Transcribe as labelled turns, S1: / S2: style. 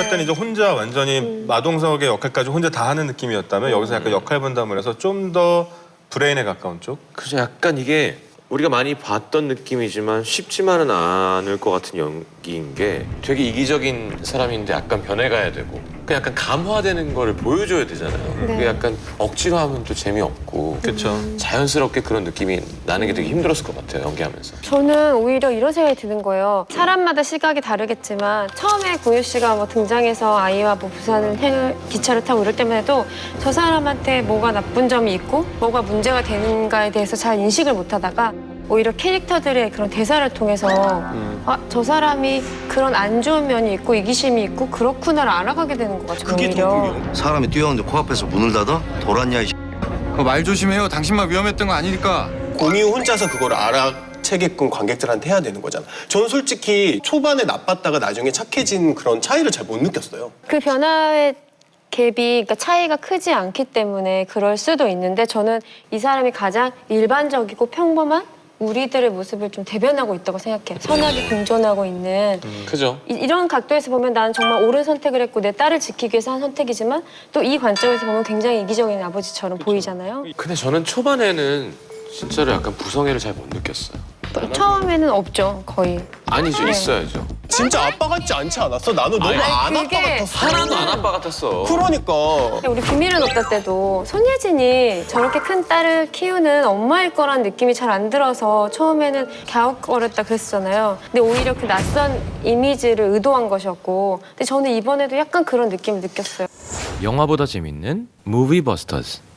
S1: 할 때는 이제 혼자 완전히 마동석의 역할까지 혼자 다 하는 느낌이었다면 여기서 약간 역할 분담을 해서 좀 더 브레인에 가까운 쪽?
S2: 그죠. 약간 이게 우리가 많이 봤던 느낌이지만 쉽지만은 않을 것 같은 연기인 게 되게 이기적인 사람인데 약간 변해가야 되고 그 약간 감화되는 거를 보여줘야 되잖아요.
S3: 네.
S2: 그게 약간 억지로 하면 또 재미없고
S1: 그렇죠.
S2: 자연스럽게 그런 느낌이 나는 게 되게 힘들었을 것 같아요. 연기하면서.
S3: 저는 오히려 이런 생각이 드는 거예요. 사람마다 시각이 다르겠지만 처음에 고유 씨가 뭐 등장해서 아이와 뭐 부산을 기차를 타고 이럴 때만 해도 저 사람한테 뭐가 나쁜 점이 있고 뭐가 문제가 되는가에 대해서 잘 인식을 못하다가 오히려 캐릭터들의 그런 대사를 통해서 아, 저 사람이 그런 안 좋은 면이 있고 이기심이 있고 그렇구나를 알아가게 되는 것 같아요.
S4: 그게 더
S3: 오히려.
S4: 중요. 사람이 뛰어오는데 코앞에서 문을 닫아? 돌았냐 이
S5: 그거 말 조심해요. 당신만 위험했던 거 아니니까.
S6: 공유 혼자서 그걸 알아채게끔 관객들한테 해야 되는 거잖아. 저는 솔직히 초반에 나빴다가 나중에 착해진 그런 차이를 잘 못 느꼈어요.
S3: 그 변화의 갭이 그러니까 차이가 크지 않기 때문에 그럴 수도 있는데 저는 이 사람이 가장 일반적이고 평범한 우리들의 모습을 좀 대변하고 있다고 생각해요. 선하게 공존하고 있는
S2: 그죠.
S3: 이런 각도에서 보면 나는 정말 옳은 선택을 했고 내 딸을 지키기 위해서 한 선택이지만 또 이 관점에서 보면 굉장히 이기적인 아버지처럼 보이잖아요.
S2: 근데 저는 초반에는 진짜로 약간 부성애를 잘 못 느꼈어요.
S3: 처음에는 없죠, 거의.
S2: 아니죠.
S3: 네.
S2: 있어야죠.
S6: 진짜 아빠 같지 않지 않았어? 나는 너무 안 아빠
S3: 그게
S6: 같았어.
S2: 하나도 안 아빠 같았어.
S6: 그러니까.
S3: 우리 비밀은 없다 때도 손예진이 저렇게 큰 딸을 키우는 엄마일 거란 느낌이 잘 안 들어서 처음에는 갸웃거렸다 그랬었잖아요. 근데 오히려 그 낯선 이미지를 의도한 것이었고 근데 저는 이번에도 약간 그런 느낌을 느꼈어요.
S7: 영화보다 재밌는 무비버스터즈.